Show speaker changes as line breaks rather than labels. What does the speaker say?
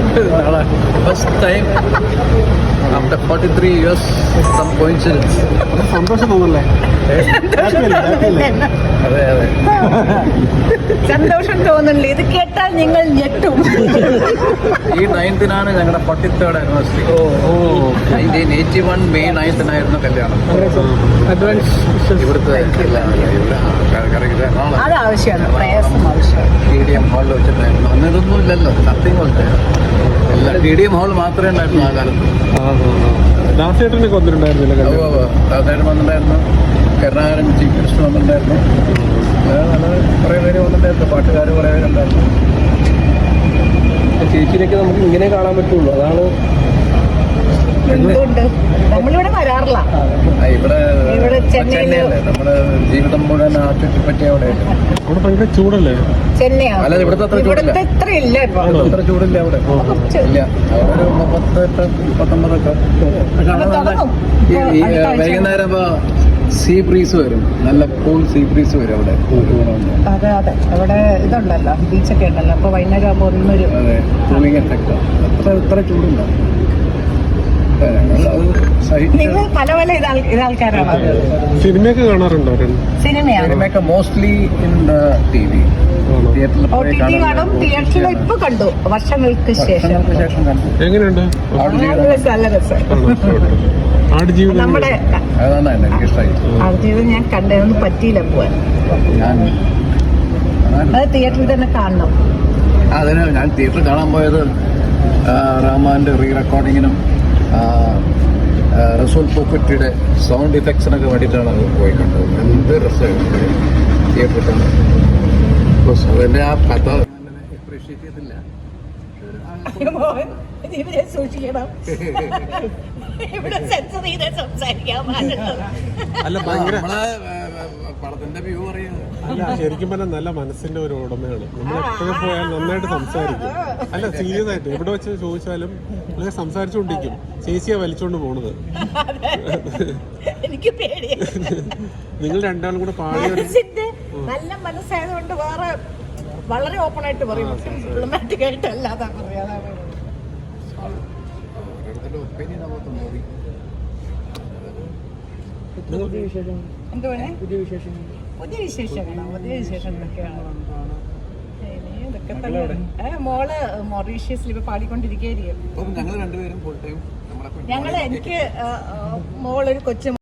First time after 43 years some coincidence.
സന്തോഷം തോന്നല്ലേ?
അതെ അതെ,
സന്തോഷം തോന്നുന്നില്ല. ഇത് കേട്ടാൽ നിങ്ങൾ ഞെട്ടും.
ഈ 9th-നാണ് ഞങ്ങളുടെ 43rd anniversary. 1981 May 9th-നായിരുന്നു കല്യാണം.
അഡ്വാൻസ്
ഇവിടുത്തെ
അത് ആവശ്യമാണ്, പ്രയാസം ആവശ്യമാണ്.
TDM ഹാളിൽ വെച്ചിട്ടായിരുന്നു. അന്ന് ഇതൊന്നും ഇല്ലല്ലോ, നത്തിങ് പോലത്തെ എല്ലാം TDM ഹാൾ മാത്രമേ ഉണ്ടായിരുന്നു ആ കാലത്ത്.
ദാസേട്ടനൊക്കെ വന്നിട്ടുണ്ടായിരുന്നില്ല?
ദാസേട്ടൻ വന്നിട്ടുണ്ടായിരുന്നു, കരുണാകരൻ ചീഫ് മിനിസ്റ്റർ വന്നിട്ടുണ്ടായിരുന്നു, കുറേ പേര് വന്നിട്ടുണ്ടായിരുന്നു, പാട്ടുകാർ കുറേ പേരുണ്ടായിരുന്നു.
ചേച്ചിയിലേക്ക് നമുക്ക് ഇങ്ങനെ കാണാൻ പറ്റുള്ളൂ, അതാണ്.
എന്തുകൊണ്ട് നമ്മളിവിടെ വരാറില്ല.
ഇവിടെ ചെന്നൈയല്ലേ നമ്മുടെ ജീവിതം മുഴുവൻ ആ ചുറ്റിപ്പറ്റി അവിടെ
ഭയങ്കര ചൂടല്ലേ?
ചെന്നൈയാണ്.
അല്ല, ഇവിടുത്തെ അത്ര ചൂടില്ല.
ഇത്ര ഇല്ല,
അത്ര ചൂടില്ല അവിടെ. ഇല്ല, അവിടെ ഒരു 38-39 വൈകുന്നേരം സീ ബ്രീസ് വരും, നല്ല കൂൾ സീ ബ്രീസ് വരും അവിടെ.
അതെ അതെ, അവിടെ ഇതുണ്ടല്ലോ, ബീച്ചൊക്കെ ഉണ്ടല്ലോ. അപ്പൊ വൈകുന്നേരം ആകുമ്പോ ഒന്നൊരു
കൂളിംഗ് എഫക്റ്റ്. ഇത്ര ചൂടില്ല.
നിങ്ങൾ പല പല ഇതാൾക്കാരാണ്.
സിനിമയൊക്കെ കാണാറുണ്ടോ?
സിനിമയൊക്കെ മോസ്റ്റ്ലി ഇൻ TV.
OTT കാണും, തിയേറ്ററിൽ ഇപ്പൊ കണ്ടു, വർഷങ്ങൾക്ക് ശേഷം.
എങ്ങനെയുണ്ട്?
നല്ല രസം. നമ്മുടെ ആടുജീവിതം ഞാൻ കണ്ടതൊന്നും പറ്റിയില്ല പോവാൻ. അത് തിയേറ്ററിൽ തന്നെ കാണണം.
അതിന് ഞാൻ തിയേറ്ററിൽ കാണാൻ പോയത് റഹ്മാന്റെ റീ റെക്കോർഡിങ്ങിനും റസൂൽ പൂക്കുറ്റിയുടെ സൗണ്ട് ഇഫക്ട്സിനൊക്കെ വേണ്ടിയിട്ടാണ് അത് പോയി കണ്ടത്. എന്ത് രസമായിരുന്നു തിയേറ്ററിൽ കാണാൻ. അതിൻ്റെ ആ കഥ അപ്രീഷിയേറ്റ് ചെയ്തില്ല.
സൂക്ഷിക്കണം,
അല്ല ഭയങ്കര
പടത്തിന്റെ വ്യൂ അറിയാം.
അല്ല, ശരിക്കും പറഞ്ഞാൽ നല്ല മനസ്സിന്റെ ഒരു ഉടമയാണ്. നമ്മൾ എപ്പോഴും പോയാൽ നന്നായിട്ട് സംസാരിക്കും. അല്ല, സീരിയസ് ആയിട്ട് എവിടെ വെച്ച് ചോദിച്ചാലും അങ്ങനെ സംസാരിച്ചുകൊണ്ടിരിക്കും. ചേച്ചിയാ വലിച്ചോണ്ട് പോണത്.
എനിക്ക് പേടിയാണ്.
നിങ്ങൾ രണ്ടാളും കൂടെ പാടിയ
നല്ല മനസ്സായതുകൊണ്ട് വേറെ വളരെ ഓപ്പൺ ആയിട്ട് പറയും, ഡിപ്ലോമാറ്റിക് ആയിട്ട് അല്ലാതെ പറയാതെ. പുതിയ വിശേഷം എന്തൊക്കെയാണ്? ഇതൊക്കെ തന്നെ. മോള് മൊറീഷ്യസിൽ ഇപ്പൊ പാടിക്കൊണ്ടിരിക്കുകയായിരിക്കും.
ഞങ്ങൾ രണ്ടുപേരും ഫുൾ ടൈം
എനിക്ക് മോളൊരു കൊച്ചു